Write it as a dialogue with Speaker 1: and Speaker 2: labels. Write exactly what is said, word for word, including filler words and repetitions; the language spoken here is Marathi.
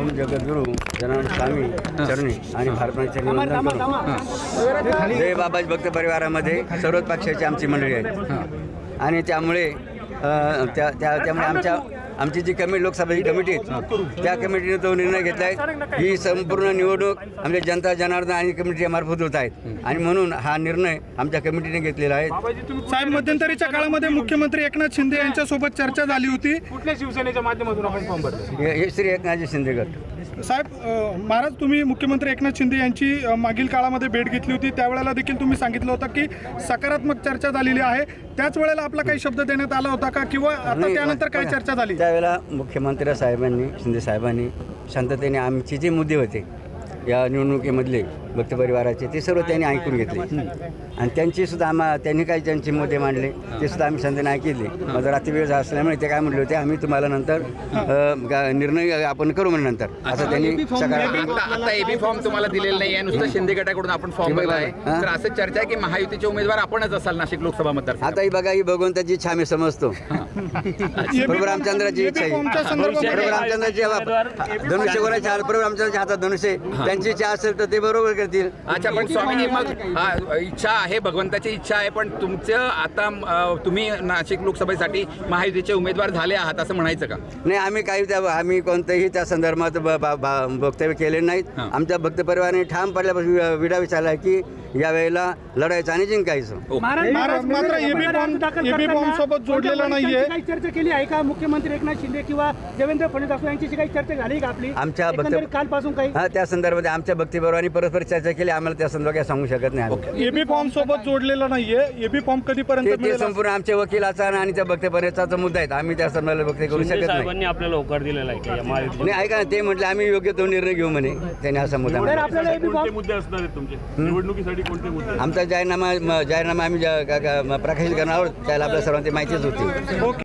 Speaker 1: ओम जगद्गुरु जनार्दन स्वामी चरणी आणि भारताचे निवंदन करून जय बाबाजी भक्त परिवारामध्ये सर्वच पक्षाची आमची मंडळी आहे आणि त्यामुळे अ, त्या त्या त्यामुळे आमच्या आमची जी कमिटी लोकसभेची कमिटी आहे त्या कमिटीने तो निर्णय घेतला आहे ही संपूर्ण निवडणूक आमच्या जनता जनार्दन आणि कमिटीमार्फत होत आहेत आणि म्हणून हा निर्णय आमच्या कमिटीने घेतलेला आहे।
Speaker 2: साहेब, मध्यंतरीच्या काळामध्ये मुख्यमंत्री एकनाथ शिंदे यांच्यासोबत चर्चा झाली होती।
Speaker 3: कुठल्या शिवसेनेच्या माध्यमातून आपण फॉर्म भरले?
Speaker 1: हे हे श्री एकनाथजी शिंदे गट।
Speaker 2: साहेब, अ, महाराज, तुम्ही मुख्यमंत्री एकनाथ शिंदे यांची अ, मागील काळामध्ये भेट घेतली होती, त्यावेळेला देखील तुम्ही सांगितलं होतं की सकारात्मक चर्चा झालेली आहे। त्याच वेळेला आपला काही शब्द देण्यात आला होता का किंवा आता त्यानंतर काय चर्चा झाली?
Speaker 1: त्यावेळेला मुख्यमंत्री साहेबांनी शिंदे साहेबांनी शांततेने आमचे जे मुद्दे होते या निवडणुकीमधले भक्त परिवाराचे ते सर्व त्यांनी ऐकून घेतले आणि त्यांची सुद्धा आम्हा त्यांनी काही ज्यांचे मुद्दे मांडले ते सुद्धा आम्ही शांततेने ऐकले। माझा रात्री वेळ झाला असल्यामुळे ते काय म्हटले होते आम्ही तुम्हाला नंतर अ, गा- निर्णय आपण करू म्हणजे नंतर असं त्यांनी सकारात्मक
Speaker 4: आता आता एबी फॉर्म तुम्हाला दिलेला नाही आहे, नुसतं शिंदे गटाकडून आपण फॉर्म भरला आहे।
Speaker 1: हां.
Speaker 4: तर असं चर्चा आहे की महायुतीचे उमेदवार आपणच असाल नाशिक लोकसभा मतदार.
Speaker 1: आता ही बघा ही भगवंताची इच्छा आम्ही समजतो। प्रभू रामचंद्राची इच्छा आहे,
Speaker 2: फॉर्मच्या संदर्भामध्ये
Speaker 1: प्रभू रामचंद्राची धनुष्य कोणाच्या हातात, प्रभू रामचंद्राच्या हातात धनुष्य आहे। त्यांची इच्छा असेल तर ते बरोबर करतील।
Speaker 4: अच्छा, पण स्वामीजी मग हा, इच्छा आहे, भगवंताची इच्छा आहे, पण तुमचं आता अ, तुम्ही नाशिक लोकसभेसाठी महायुतीचे उमेदवार झाले आहात असं म्हणायचं का?
Speaker 1: नाही, आम्ही काही त्या आम्ही कोणत्याही त्या संदर्भात ब- ब- ब- वक्तव्य केले नाहीत।
Speaker 4: हां.
Speaker 1: आमच्या भक्त परिवाराने ठाम पडल्यापासून वि- विडा विचारला आहे की यावेळेला लढायचं आणि जिंकायचं।
Speaker 2: महाराज, मात्र एबी फॉर्म एबी फॉर्म सोबत जोडलेला नाहीये।
Speaker 5: काही चर्चा केली आहे का मुख्यमंत्री एकनाथ शिंदे किंवा देवेंद्र फडणवीस यांची काही चर्चा झाली का आपली
Speaker 1: आमच्या भक्त
Speaker 5: एकंदरीत कालपासून काही
Speaker 1: हा त्या संदर्भात आमच्या भक्ती परिवाराने परस्पर चर्चा केली। आम्हाला त्या संदर्भात काही सांगू शकत नाही आम्ही।
Speaker 2: एबी फॉर्म सोबत जोडलेला नाहीये। एबी फॉर्म कधीपर्यंत
Speaker 1: ते- ते
Speaker 2: मिळेल?
Speaker 1: संपूर्ण आमच्या वकिलाचा आणि त्या भक्त परिवाराचा मुद्दा आहे। आम्ही त्या संदर्भात वक्तव्य करू शकत नाही।
Speaker 6: साहेबांनी आपल्याला होकार दिलेला आहे की या महायुतीत
Speaker 1: नाही, ऐका ना, ते म्हटलं आम्ही योग्य तो निर्णय घेऊ म्हणे, त्याने असा मुद्दा
Speaker 5: तर
Speaker 1: मांडला।
Speaker 5: आपल्याला एबी फॉर्म
Speaker 6: मुद्दे असणार आहेत तुमचे निवडणुकीसाठी कोणते मुद्दे?
Speaker 1: आमचा जाहीरनामा म- जाहीरनामा आम्ही ज्या- का- का- प्रकाशित करणार आहोत त्याला आपल्या सर्वांची माहितीच होती।
Speaker 2: ओके.